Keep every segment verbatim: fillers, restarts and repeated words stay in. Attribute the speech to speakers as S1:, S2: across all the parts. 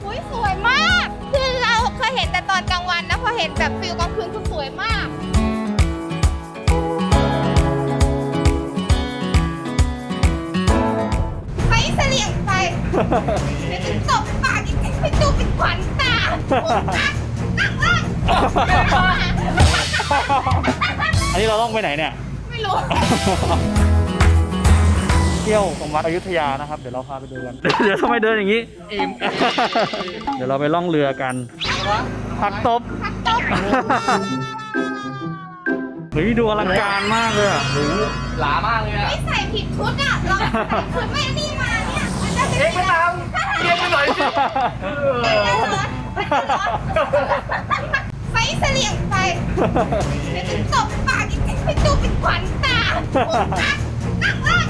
S1: อุ้ยสวยมากคือเราเคยเห็นแต่ตอนกลางวันนะพอเห็นแบบฟิลกลางคืนคือสวยมากไปเสลี่ยงไปเดี๋ยวจะตบปากอีกไปดูเป็นขวัญตานั่งนั่ง
S2: อันนี้เราต้องไปไหนเนี่ย
S1: ไม่รู้
S2: เที่ยวตรงวัดอยุธยานะครับเดี๋ยวเราพาไปดูกัน เดี๋ยวทำไมเดินอย่างนี้อิ่ม เดี๋ยวเราไปล่องเรือกันผักตบ
S1: พักตบ
S2: เฮ้ยดูอลังการมากเลยอ่ะ
S3: หลามากเลยอะ
S1: ไม่ใส่ผิดชุดอ่ะเราใส่ชุดไม่นี่มาเนี่ยมันจะ
S3: เอ๊ะไม่ตามเรียนไปหน่อยสิ
S1: ไปเสลี่ยงไปเดี๋ยวจะตบปากอีกไปดูเป็นขวัญตานั่งนั่ง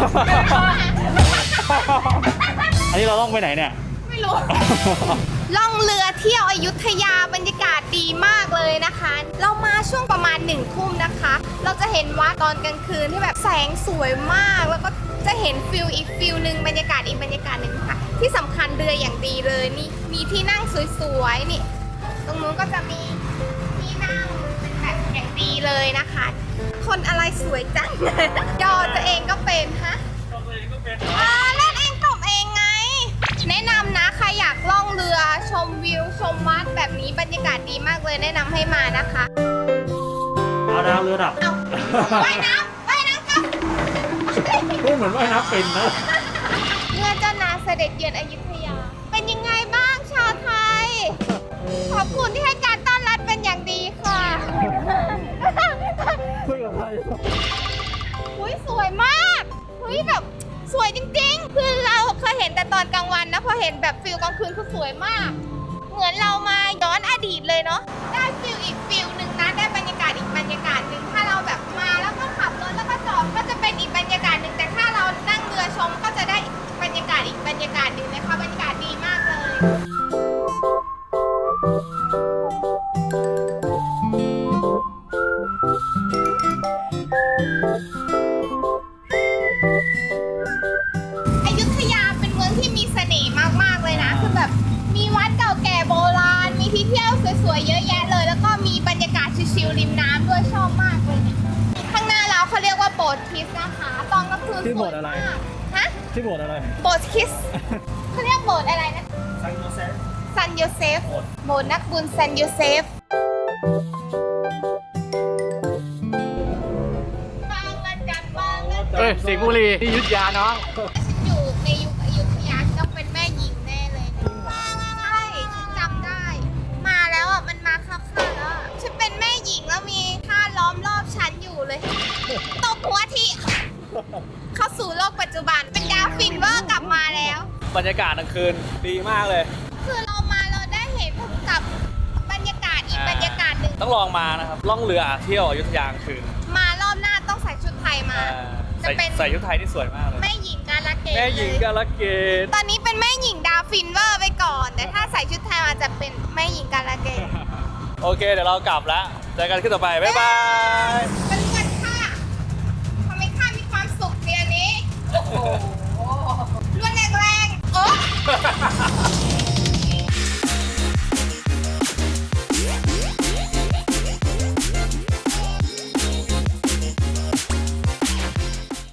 S2: อันนี้เราต้องไปไหนเนี่ย
S1: ไม่รู้ ล่องเรือเที่ยวอยุธยาบรรยากาศดีมากเลยนะคะ เรามาช่วงประมาณหนึ่งทุ่มนะคะ เราจะเห็นวัดตอนกลางคืนที่แบบแสงสวยมาก แล้วก็จะเห็นฟิลอีกฟิลหนึ่งบรรยากาศอีกบรรยากาศหนึ่งค่ะ ที่สำคัญเรืออย่างดีเลยนี่มีที่นั่งสวยๆนี่ ตรงนู้นก็จะมีที่นั่งเป็นแบบอย่างดีเลยนะคะ คนอะไรสวยจัง ยอตัวเองก็เป็นฮะอ่าเล่นเองตบเองไง แนะนำนะใครอยากล่องเรือชมวิวชมวัดแบบนี้บรรยากาศดีมากเลยแนะนำให้มานะคะ
S2: เอาดาวเรือดับ
S1: เอาว่ายน้ำว่ายน้ำกัน
S2: พูดเหมือนว่ายน้ำเป็นนะ
S1: เมื่อเจ้านางเสด็จเยือนอยุธยา เป็นยังไงบ้างชาวไทย ขอบคุณที่ให้การต้อนรับเป็นอย่างดีค่ะ
S2: คุยกับใคร
S1: อุ้ยสวยมากเฮ้ยแบบสวยจริงๆ คือเราเคยเห็นแต่ตอนกลางวันนะพอเห็นแบบฟิลกลางคืนคือสวยมาก เหมือนเรามาย้อนอดีตเลยเนาะ ได้ฟิลอีกฟิลหนึ่งนะ ได้บรรยากาศอีกบรรยากาศหนึ่งถ้าเราแบบมาแล้วก็ขับรถแล้วก็จอดก็จะเป็นอีกบรรยากาศหนึ่งแต่ถ้าเรานั่งเรือชมก็จะได้บรรยากาศอีกบรรยากาศหนึ่งนะคะบรรยากาศดีมากเลย อยุธยาเป็นเมืองที่มีเสน่ห์มากๆเลยนะคือแบบมีวัดเก่าแก่โบราณมีที่เที่ยวสวยๆเยอะแยะเลย แล้วก็มีบรรยากาศชิลๆริมน้ำด้วยชอบมากเลยเนี่ยข้างหน้าเราเขาเรียกว่าโบสถ์คริสต์นะคะตอนกลางคืนสวยมากฮะ
S2: ที่โบสถ์อะไร
S1: โบสถ์คริสต์เขาเรียกโบสถ์อะไรนะซันโยเซฟโบสถ์นักบุญซันโยเซฟบางละจันบางละจัน
S3: เอ้ยสิงห์บุรีที่อยุธยาน้อง
S1: ฉันอยู่ในยุคอยุธยาฉันต้องเป็นแม่หญิงแน่เลยนะใช่ฉันจำได้ มาแล้วอ่ะมันมาเข้าๆแล้วอะฉันเป็นแม่หญิงแล้วมีท่าล้อมรอบฉันอยู่เลยตบหัวทีเข้าสู่โลกปัจจุบันเป็นดาวฟินเวอร์กลับมาแล้ว
S3: บรรยากาศกลางคืนดีมากเลย
S1: คือเรามาเราได้เห็นกับบรรยากาศอีกบรรยากาศหนึ่ง
S3: ต้องลองมานะครับ ล่องเรือเที่ยวอยุธยากลางคืน
S1: มารอบหน้าต้องใส่ชุดไทยมา
S3: อ่า
S1: จะ
S3: ใส่
S1: เป็น
S3: ใส่ชุดไทยที่สวยมากเลย
S1: แม่หญิงกาลเกต
S3: แม่หญิง
S1: เลย
S3: กาลเกต
S1: ตอนนี้เป็นแม่หญิงดาวฟินเวอร์ไปก่อน แต่ถ้าใส่ชุดไทยมาจะเป็นแม่หญิงกาลเกต
S3: โอเค เดี๋ยวเรากลับแล้ว เจอกันขึ้นต่อไป บ๊ายบาย
S1: บ๊ายบ